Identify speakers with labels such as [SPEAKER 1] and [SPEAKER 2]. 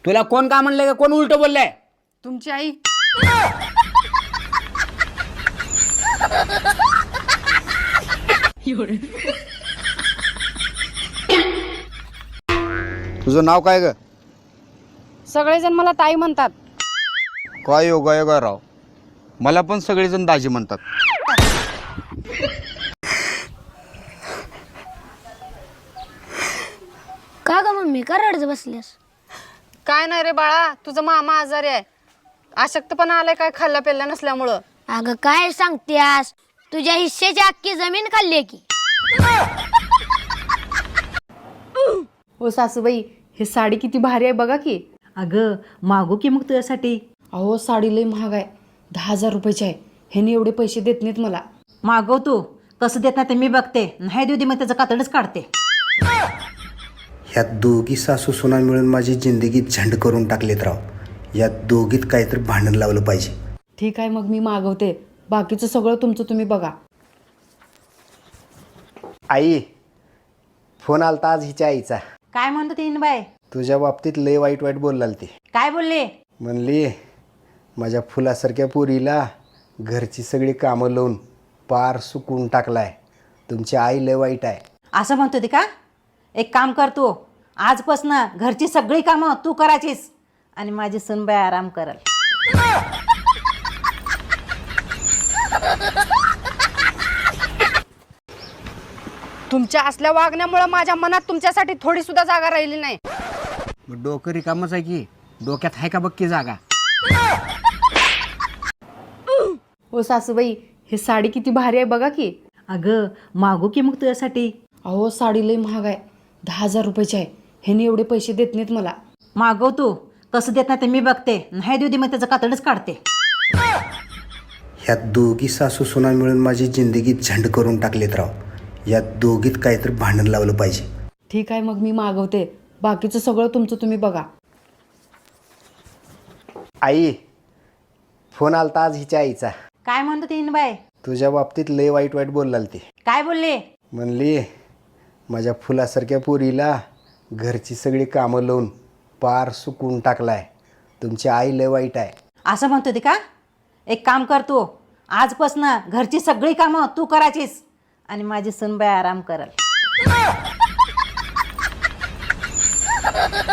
[SPEAKER 1] तुला कोण का म्हणलंय का कोण उलट बोललंय?
[SPEAKER 2] तुमची आई.
[SPEAKER 3] तुझं नाव काय ग?
[SPEAKER 2] सगळेजण मला ताई म्हणतात.
[SPEAKER 3] काय योगा राव, मला पण सगळेजण दाजी म्हणतात.
[SPEAKER 4] का ग मम्मी का रडत बसलीस?
[SPEAKER 2] काय नाही रे बाळा, तुझा मामा आजारी आहे. अशक्तपणा आलाय काय खाल्ल्या पेल्ल्या नसल्यामुळं.
[SPEAKER 4] अगं काय सांगतेस, तुझ्या हिस्सेची अख्खी जमीन खाल्ली की.
[SPEAKER 2] हो सासूबाई, हे साडी किती भारी आहे बघा की.
[SPEAKER 5] अगं मागू की मग तुझ्यासाठी.
[SPEAKER 2] अहो साडी लई महाग आहे, 10,000 रुपयाची आहे. ह्याने एवढे पैसे देत नाहीत मला.
[SPEAKER 5] मागव तू, कसं देत नाही ते मी बघते. नाही देऊ दे मग त्याचं कातडच काढते.
[SPEAKER 6] ह्यात दोघी सासू सुना मिळून माझी जिंदगी झंड करून टाकलेत राव. यात दोघीत काहीतरी भांडण लावलं पाहिजे.
[SPEAKER 2] ठीक आहे मग मी मागवते, बाकीचं सगळं तुमचं तुम्ही बघा.
[SPEAKER 6] आई, फोन आलता आज हिच्या आईचा.
[SPEAKER 5] काय म्हणतो तीन बाय?
[SPEAKER 6] तुझ्या बाबतीत लय वाईट बोललाल ती.
[SPEAKER 5] काय बोलले?
[SPEAKER 6] म्हणली माझ्या फुलासारख्या पोरीला घरची सगळी कामं लावून पार सुकून टाकलाय. तुमची आई लय वाईट आहे.
[SPEAKER 5] असं म्हणतो ते का? एक काम कर तू, आजपासनं घरची सगळी कामं तू करायचीस आणि माझी सुनबाई आराम करल.
[SPEAKER 2] तुमच्या असल्या वागण्यामुळे माझ्या मनात तुमच्यासाठी थोडी सुद्धा जागा राहिली नाही.
[SPEAKER 1] मग डोकं रिकामच आहे की, डोक्यात आहे का बक्की जागा?
[SPEAKER 2] हो सासूबाई, हे साडी किती भारी आहे बघा की.
[SPEAKER 5] अगं मागू की मग तुझ्यासाठी.
[SPEAKER 2] अहो साडी लई महाग आहे, 10,000 रुपयाची आहे. ह्याने एवढे पैसे देत नाहीत मला.
[SPEAKER 5] मागव तू, कसं देत नाही ते मी बघते. नाही देऊ दे मग त्याचं कातडच काढते.
[SPEAKER 6] ह्यात दोघी सासू सुना मिळून माझी जिंदगी झंड करून टाकलेत राव. यात दोघीत काहीतरी भांडण लावलं पाहिजे.
[SPEAKER 2] ठीक आहे मग मी मागवते, बाकीचं सगळं तुमचं तुम्ही बघा.
[SPEAKER 6] आई, फोन आलता आज हिच्या आईचा.
[SPEAKER 5] काय म्हणतो तीन बाय?
[SPEAKER 6] तुझ्या बाबतीत लय वाईट बोललाल ती.
[SPEAKER 5] काय बोलले?
[SPEAKER 6] म्हणली माझ्या फुलासारख्या पोरीला घरची सगळी कामं लावून पार सुकून टाकलाय. तुमची आई लय वाईट आहे.
[SPEAKER 5] असं म्हणतो ते का? एक काम कर तू, आजपासनं घरची सगळी कामं तू करायचीस आणि माझी सुनबाई आराम करल.